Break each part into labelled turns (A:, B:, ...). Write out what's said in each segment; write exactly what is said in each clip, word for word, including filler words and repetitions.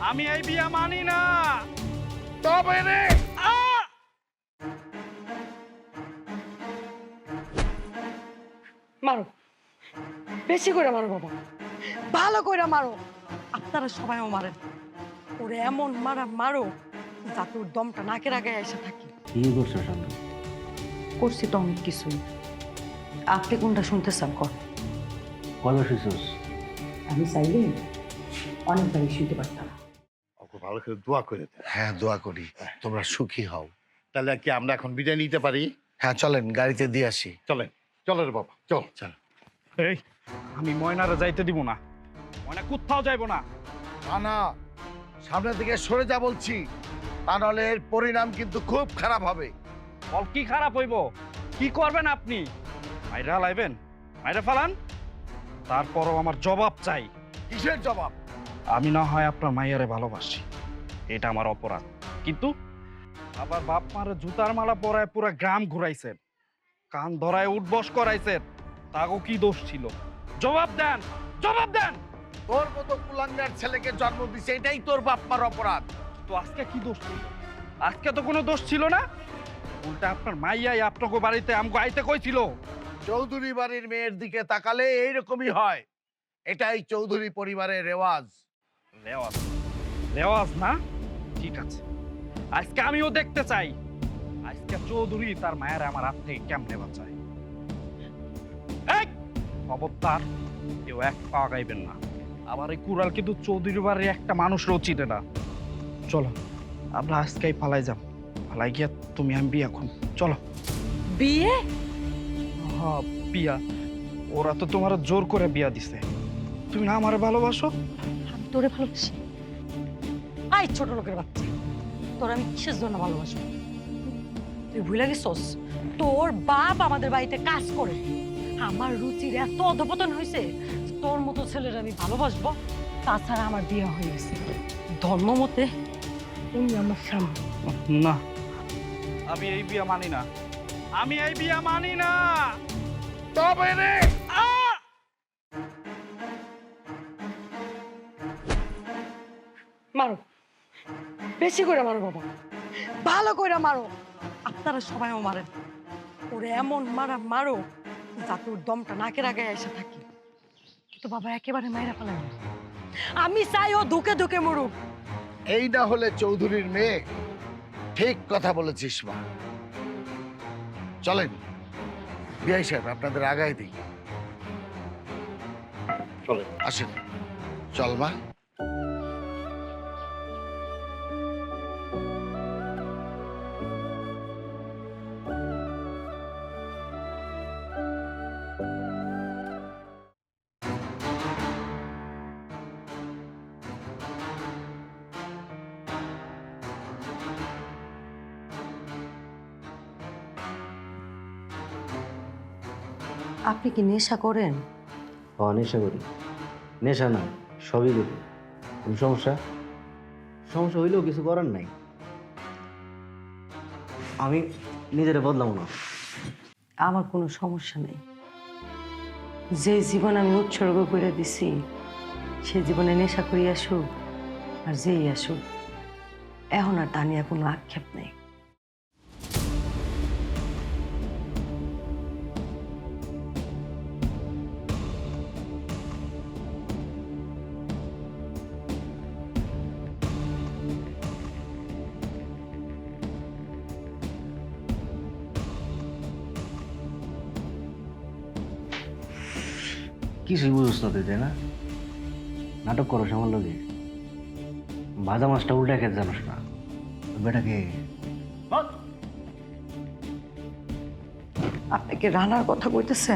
A: আমি এই বিয়া মানি না।
B: তবে রে
C: মারো, বেশি করে মারো বাবা, ভালো করে মারো। আপনারা সবাইও মারেন, ওরে এমন মারা মারো যাতে ওর দমটা নাকের আগে এসে থাকে।
D: কি করছো শান্ত?
C: করছি তো অনেক কিছুই, আপনি কোনটা শুনতে চান কর।
D: কবে শুইছস?
C: আমি চাইলে অনেকবারই শুনতে পারতাম।
B: ওকে ভালো করে দোয়া করে দে।
E: হ্যাঁ, দোয়া করি তোমরা সুখী হও।
B: তাহলে কি আমরা এখন বিদায় নিতে পারি?
E: হ্যাঁ, চলেন গাড়িতে দিয়ে আসি।
B: চলেন, চলো রে বাবা, চল।
E: চল।
A: এই আমি ময়নারে যাইতে দিব না, ময়না কোথাও যাইব না।
E: না না, সামনের দিকে সরে যা বলছি, তা নাহলে এর পরিণাম কিন্তু খুব খারাপ হবে।
A: ফল কি খারাপ হইব? কি করবেন আপনি? মাইরা লাইবেন, মাইরা ফালান, তারপরও আমার জবাব চাই।
E: কিসের জবাব?
A: আমি না হয় আপনার মাইয়ারে ভালোবাসি, এটা আমার অপরাধ, কিন্তু আবার বাপ মারে জুতার মালা পরায় পুরো গ্রাম ঘুরাইছেন, কান ধরায় উঠবস করাইছেন, তাগো কি দোষ ছিল? জবাব দেন, জবাব দেন।
E: তোর মতো কুলাঙ্গার ছেলেকে জন্ম দিছে, এটাই তোর বাপ মার অপরাধ।
A: তো আজকে কি দোষ ছিল? আজকে তো কোনো দোষ ছিল না, উল্টা আপনার মাইয়াই আপনাকে বাড়িতে আমগো আইতে কইছিল।
E: চৌধুরী বাড়ির মেয়ের দিকে তাকালে এইরকমই হয়, এটাই চৌধুরী পরিবারের রেওয়াজ।
A: রেওয়াজ, রেওয়াজ না? ঠিক আছে, আজকে আমিও দেখতে চাই আজকে চৌধুরী তার মায়ের আমার হাত থেকে কেমনে বাঁচায়। এই খবরদার কেউ এক পা গাইবেন না, আবার এই কুড়াল কিন্তু চৌধুরী বাড়ির একটা মানুষও চিনে না। চলো আমরা আজকেই পালাই যাব, পালাই গিয়া তুমি আমি বিয়া এখন চলো।
C: বিয়ে?
A: হ্যাঁ বিয়া, ওরা তো তোমার জোর করে বিয়া দিছে, তুমি না আমারে ভালোবাসো?
C: আমি তোরে ভালোবাসি? আই ছোট লোকের বাচ্চা, তোর আমি কিসের জন্য ভালোবাসবো? তুই ভুলে গেছস তোর বাপ আমাদের বাড়িতে কাজ করে, আমার রুচির এত অধপতন হয়েছে, তোর মতো ছেলের আমি ভালোবাসবো? তাছাড়া আমার বিয়ে হয়ে গেছে ধর্ম মতে, উনি আমার স্বামী।
A: না, আমি এই বিয়া মানি না, আমি এই বিয়া মানি না।
E: তবে রে
C: মারো, বেশি করে মারো বাবা, ভালো করে মারো। আপনারা সবাইও মারেন, ওরে এমন মারা মারো যাতে ওর দমটা নাকের আগে এসে থাকে। কিন্তু বাবা একেবারে মাইরা ফেলেন, আমি চাই ও ধুকে ধুকে মরুক।
E: এই না হলে চৌধুরীর মেয়ে। ঠিক কথা বলেছিস মা। চলেন বিআই সাহেব, আপনাদের আগায় দিই।
B: চলেন।
E: আসেন, চল মা।
C: আপনি কি নেশা করেন?
D: ও নেশা করি? নেশা না, সবই করি। কোন সমস্যা? সমস্যা হইলেও কিছু করার নাই, আমি নিজেরে বদলাবো না।
C: আমার কোনো সমস্যা নেই, যে জীবন আমি উৎসর্গ করে দিছি সে জীবনে নেশা করি আসুক আর যেই আসুক, এখন আর তা নিয়ে কোনো আক্ষেপ নেই।
D: কিছুই বুঝছ না তুই, তাই না? নাটক করো আমার লগে, ভাজা মাছটা উল্টা খেতে জানোস না। বেটাকে
C: আপনি কি রানার কথা কইতেছেন?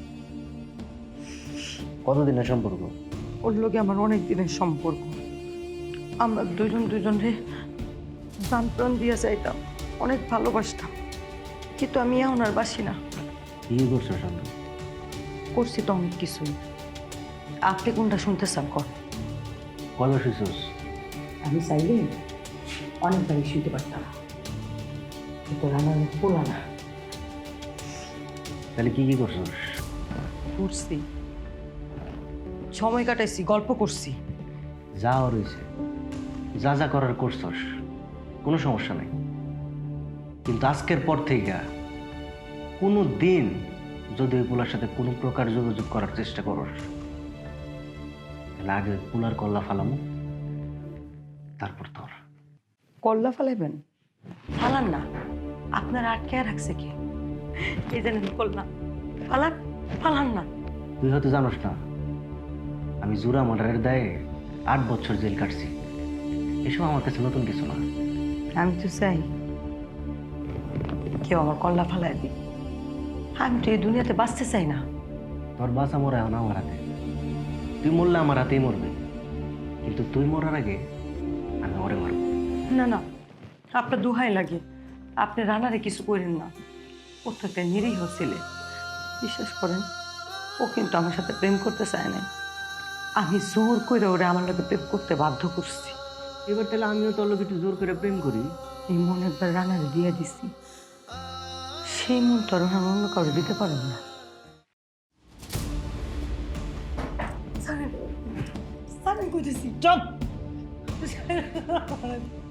D: কতদিনের সম্পর্ক?
C: ওর লগে আমার অনেক দিনের সম্পর্ক, আমরা দুজন দুজনে প্রাণ প্রাণ দিয়ে যাইতাম, অনেক ভালোবাসতাম, কিন্তু আমি এখন আর বাসি না।
D: কি করছো শান্ত?
C: করছি তো অনেক কিছুই, আপনি কোনটা শুনতে চান কর।
D: কবে শুইছস?
C: আমি চাইলে অনেকবারই শুনতে পারতাম, কিন্তু রান্নার পোলা না।
D: তাহলে কি কি করছস?
C: ঘুরছি, সময় কাটাইছি, গল্প করছি।
D: যা রয়েছে যা যা করার করছস, কোনো সমস্যা নাই। কিন্তু আজকের পর থেকে কোনো দিন যদি ওই পোলার সাথে কোনো প্রকার যোগাযোগ করার চেষ্টা করস, তাহলে আগে ওই পোলার কল্লা ফালামো, তারপর তোর।
C: কল্লা ফালাইবেন? ফালান না, আপনার আটকে রাখছে কে? এই জানেন কল্লা ফালান, ফালান না।
D: তুই হয়তো জানোস না, আমি জুরা মার্ডারের দায়ে আট বছর জেল কাটছি। এসব আমার কাছে নতুন কিছু না।
C: আমি তো চাই কেউ আমার কল্লা ফালাই দিই। আমি তো এই দুনিয়াতে বাঁচতে চাই না।
D: তোর বাঁচা মরা এখন আমার হাতে। তুই মরলে আমার হাতেই মরবে, কিন্তু তুই মরার আগে আমি ওরে মারব।
C: না না, আপনার দোহাই লাগে, আপনি রানারে কিছু করেন না। ও তো একটা নিরীহ ছেলে, বিশ্বাস করেন। ও কিন্তু আমার সাথে প্রেম করতে চায় না। আমি জোর করে ওরে আমার লোকে প্রেম করতে বাধ্য করছি।
D: এবার তাহলে আমিও তোর লোক একটু জোর করে প্রেম করি।
C: এই মন একবার রানারে দিয়ে দিছি, সেই মন তো আর আমি অন্য কাউকে দিতে পারব না। স্যার, স্যার, আমি কইতেছি চুপ।